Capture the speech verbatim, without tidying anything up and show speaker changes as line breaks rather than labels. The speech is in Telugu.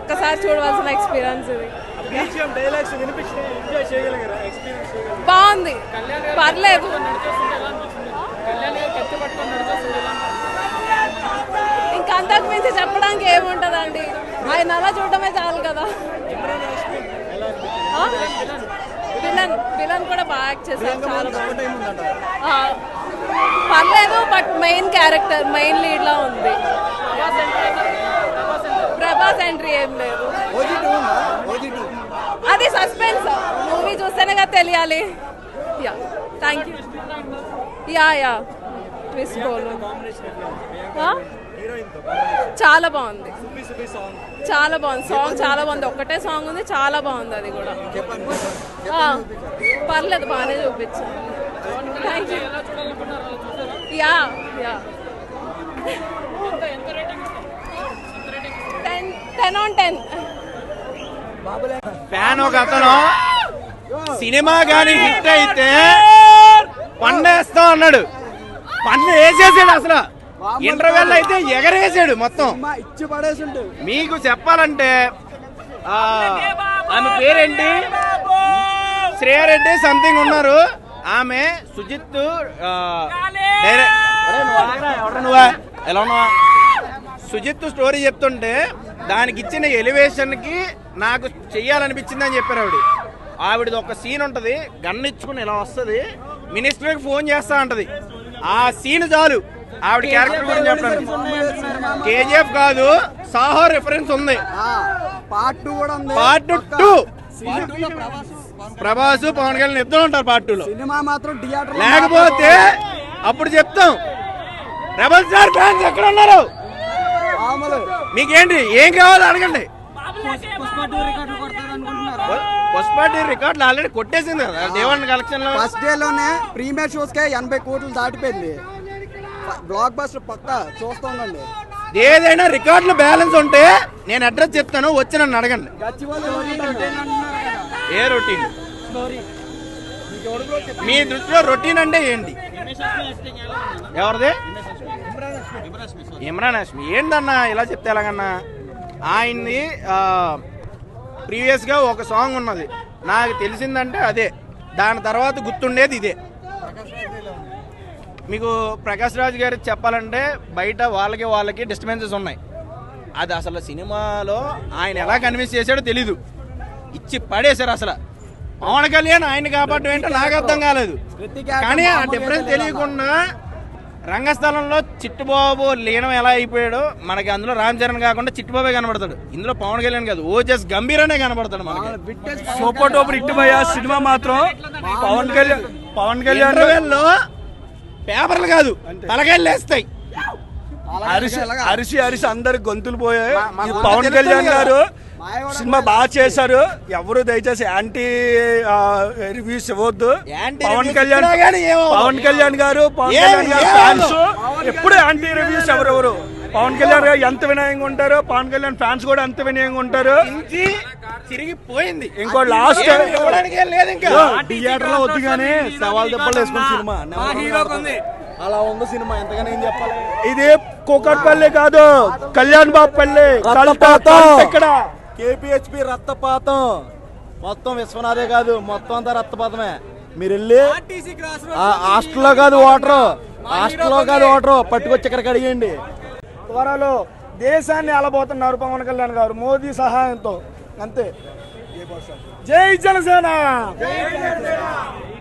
ఒక్కసారి చూడవలసిన ఎక్స్పీరియన్స్ ఇది. బాగుంది, పర్లేదు. ఇంకా అంతకు మించి చెప్పడానికి ఏముంటదండి, ఆయన అలా చూడటమే చాలు కదా. విలన్ విలన్ కూడా బాగా యాక్ట్ చేశారు, చాలా పర్లేదు. But main character main lead లా ఉంది. ప్రభాస్ ఎంట్రీ ఏం లేదు, అది సస్పెన్స్. మూవీ చూస్తేనే కదా తెలియాలి. Ya thank you. Ya ya twist బోల్ చాలా బాగుంది, చాలా బాగుంది. సాంగ్ చాలా బాగుంది, ఒక్కటే సాంగ్ ఉంది, చాలా బాగుంది. అది కూడా పర్లేదు, బాగానే చూపించాను. Thank you. Ya ya ten ten on ten.
Fan ఒక అతను సినిమా గానీ హిట్ అయితే పన్నేస్తా అన్నాడు, పన్ను వేసేసాడు. అసలు ఇంటర్వెల్ అయితే ఎగరేసాడు మొత్తం. మీకు చెప్పాలంటే ఆమె పేరేంటి, శ్రేయారెడ్డి సంథింగ్ ఉన్నారు. ఆమె సుజిత్ ఎలా ఉన్నావా సుజిత్ స్టోరీ చెప్తుంటే దానికి ఇచ్చిన ఎలివేషన్ కి నాకు చెయ్యాలనిపించింది అని చెప్పారు ఆవిడ. ఆవిడది ఒక సీన్ ఉంటది, గన్ ఇచ్చుకుని ఇలా వస్తుంది, మినిస్టర్ కి ఫోన్ చేస్తా ఉంటది. ఆ సీన్ చాలు ఆవిడ క్యారెక్టర్ గురించి చెప్పడానికి. కేజీఎఫ్ కాదు, సాహో రిఫరెన్స్ ఉంది. పార్ట్ టూ కూడా ఉంది. పార్ట్ టూ ప్రభాస్ పవన్ కళ్యాణ్ ఇద్దరు ఉంటారు పార్ట్ టూ లో. సినిమా మాత్రం థియేటర్ లేకపోతే అప్పుడు చెప్తాం. రెబల్ స్టార్ ఫ్యాన్స్ ఎక్కడ ఉన్నారు? మీకేంటి ఏం కావాలో అడగండి. పుష్ప టూ రికార్డులు ఆల్రెడీ కొట్టేసింది కదా దేవన్ కలెక్షన్ లో. ఫస్ట్ డే లోనే ప్రీమియర్ షోస్ కే ఎనభై కోట్లు దాటిపోయింది. బ్లాక్ బస్టర్ పక్క చూస్తూ ఉండండి. ఏదైనా రికార్డులు బ్యాలెన్స్ ఉంటే నేను అడ్రస్ చెప్తాను, వచ్చి నన్ను అడగండి. ఏ రొటీన్ మీ దృష్టిలో రొటీన్ అంటే ఏంటి? ఎవరిది? ఇమ్రాన్ హాష్మి. ఏంటన్నా ఇలా చెప్తే ఎలాగన్నా? ఆయన్ని ప్రీవియస్ గా ఒక సాంగ్ ఉన్నది, నాకు తెలిసిందంటే అదే. దాని తర్వాత గుర్తుండేది ఇదే. మీకు ప్రకాష్ రాజ్ గారికి చెప్పాలంటే బయట వాళ్ళకి వాళ్ళకి డిస్టర్బెన్సెస్ ఉన్నాయి. అది అసలు సినిమాలో ఆయన ఎలా కన్విన్స్ చేశాడో తెలీదు, ఇచ్చి పడేశారు. అసలు పవన్ కళ్యాణ్ ఆయన కాబట్టి ఏంటో నాకు అర్థం కాలేదు. కానీ ఆ డిఫరెన్స్ తెలియకుండా రంగస్థలంలో చిట్టుబాబు లీనం ఎలా అయిపోయాడో మనకి అందులో రామ్ చరణ్ కాకుండా చిట్టుబాబే కనబడతాడు. ఇందులో పవన్ కళ్యాణ్ కాదు, ఓజస్ గంభీరనే కనబడతాడు మనకి.
సూపర్ టూపర్ హిట్ భయ్యా సినిమా మాత్రం. పవన్ కళ్యాణ్ పవన్ కళ్యాణ్
లో పేపర్లు కాదు తలకాయలు లేస్తాయి.
అరిసి అరిసి అరిసి అందరు గొంతులు పోయాయి. పవన్ కళ్యాణ్ గారు సినిమా బాగా చేశారు. ఎవరు దయచేసి యాంటీ రివ్యూస్ ఇవ్వద్దు. పవన్ కళ్యాణ్ పవన్ కళ్యాణ్ గారు పవన్ కళ్యాణ్ గారు ఫ్యాన్స్ ఎప్పుడు యాంటీ రివ్యూస్ ఎవరెవరు. పవన్ కళ్యాణ్ గారు ఎంత వినయంగా ఉంటారు, పవన్ కళ్యాణ్ ఫ్యాన్స్ కూడా ఎంత వినయంగా ఉంటారు.
తిరిగిపోయింది.
ఇంకో లాస్ట్
థియేటర్ లో వద్దు కానీ సవాల్ దెబ్బలు వేసుకున్న సినిమా అలా ఉంది సినిమా. ఎంతగానో ఏం చెప్పాలి.
ఇది కూకట్పల్లి కాదు, కళ్యాణ్ బాబు పల్లి. ఇక్కడ
కేపీహెచ్పి రక్తపాతం మొత్తం విశ్వనాథే కాదు, మొత్తం అంతా రక్తపాతమే. మీరు వెళ్ళి హాస్టల్లో కాదు వాటర్, హాస్టల్లో కాదు వాటర్ పట్టుకొచ్చి ఇక్కడికి అడిగండి.
త్వరలో దేశాన్ని అలబోతున్నారు పవన్ కళ్యాణ్ గారు మోదీ సహాయంతో. అంతే. జై జనసేన.